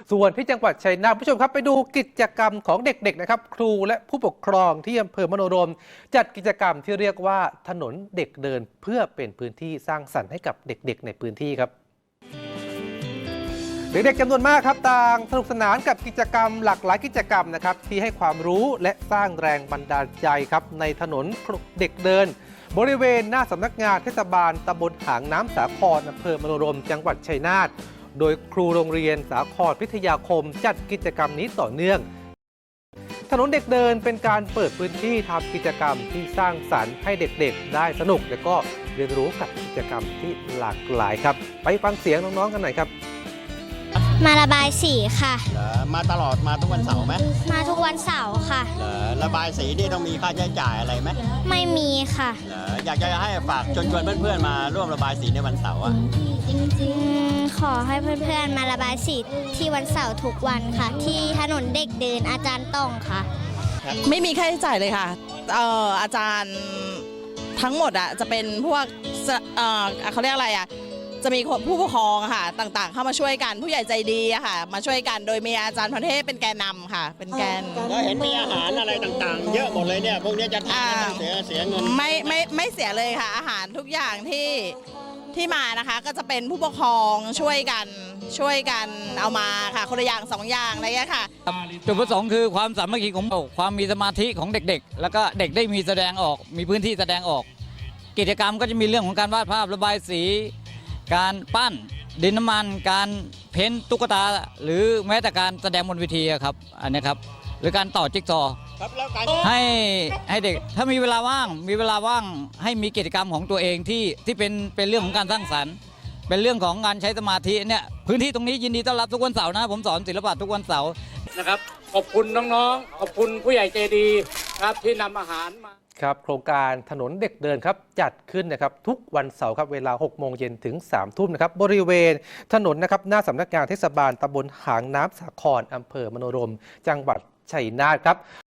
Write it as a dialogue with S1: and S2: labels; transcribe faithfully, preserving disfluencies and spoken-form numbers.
S1: ส่วนที่จังหวัดชัยนาทผู้ชมครับไปดูกิจกรรมของเด็กๆนะครับครูและผู้ปกครองที่อำเภอมโนรมจัดกิจกรรมที่เรียกว่าถนนเด็กเดินเพื่อเป็นพื้นที่สร้างสรรค์ให้กับเด็กๆในพื้นที่ครับเด็กๆจำนวนมากครับต่างสนุกสนานกับกิจกรรมหลากหลายกิจกรรมนะครับที่ให้ความรู้และสร้างแรงบันดาลใจครับในถนนเด็กเดินบริเวณหน้าสำนักงานเทศบาลตำบลหางน้ำสาครอำเภอมโนรมจังหวัดชัยนาทโดยครูโรงเรียนสาครพิทยาคมจัดกิจกรรมนี้ต่อเนื่องถนนเด็กเดินเป็นการเปิดพื้นที่ทำกิจกรรมที่สร้างสรรค์ให้เด็กๆได้สนุกและก็เรียนรู้กับกิจกรรมที่หลากหลายครับไปฟังเสียงน้องๆกันหน่อยครับ
S2: มาระบายสีค่ะ
S3: เหรอมาตลอดมาทุกวันเสาร์ไหม
S2: มาทุกวันเสาร์ค่ะ
S3: เหรอระบายสีนี่ต้องมีค่าใช้จ่ายอะไรไหม
S2: ไม่มีค่ะ
S3: เหรออยากจะให้ฝากชวนชวนเพื่อนๆมาร่วมระบายสีในวันเสาร์อ่ะ
S2: ขอให้เพื่อนๆมาระบายสีที่วันเสาร์ทุกวันค่ะที่ถนนเด็กเดินอาจารย์ต้องค่ะ
S4: ไม่มีค่าใช้จ่ายเลยค่ะเอ่ออาจารย์ทั้งหมดอ่ะจะเป็นพวกเอ่อเขาเรียกอะไรอ่ะจะมีผู้ปกครองค่ะต่างๆเข้ามาช่วยกันผู้ใหญ่ใจดีอะค่ะมาช่วยกันโดยมีอาจารย์พรเทพเป็นแกนนำค่ะเป็นแกน
S3: แล้วเห็นมีอาหารอะไรต่างๆเยอะหมดเลยเนี่ยพวกนี้จะทานเสียเสียเงิน
S4: ไม่ไม่ไม่เสียเลยค่ะอาหารทุกอย่างที่ที่มานะคะก็จะเป็นผู้ปกครองช่วยกันช่วยกันเอามาค่ะคนละอย่างสองอย่างอะไรอย่างเงี้ยค่ะ
S5: จุดประสงค์คือความสามัคคีของความมีสมาธิของเด็กๆแล้วก็เด็กได้มีแสดงออกมีพื้นที่แสดงออกกิจกรรมก็จะมีเรื่องของการวาดภาพระบายสีการปั้นดินน้ำมันการเพ้นตุ๊กตาหรือแม้แต่การแสดงบนเวทีครับอันนี้ครับหรือการต่อจิ๊กซอว์ให้ให้เด็กถ้ามีเวลาว่างมีเวลาว่างให้มีกิจกรรมของตัวเองที่ที่เป็นเป็นเรื่องของการสร้างสรรค์เป็นเรื่องของการใช้สมาธิเนี่ยพื้นที่ตรงนี้ยินดีต้อนรับทุกวันเสาร์นะผมสอนศิลปะทุกวันเสาร์
S6: นะครับขอบคุณน้องๆขอบคุณผู้ใหญ่ใจดีครับที่นำอาหารมา
S1: ครับโครงการถนนเด็กเดินครับจัดขึ้นนะครับทุกวันเสาร์ครับเวลาหกโมงเย็นถึงสามทุ่มนะครับบริเวณถนนนะครับหน้าสำนักงานเทศบาลตำบลหางน้ำสาครอำเภอมโนรมจังหวัดชัยนาทครับ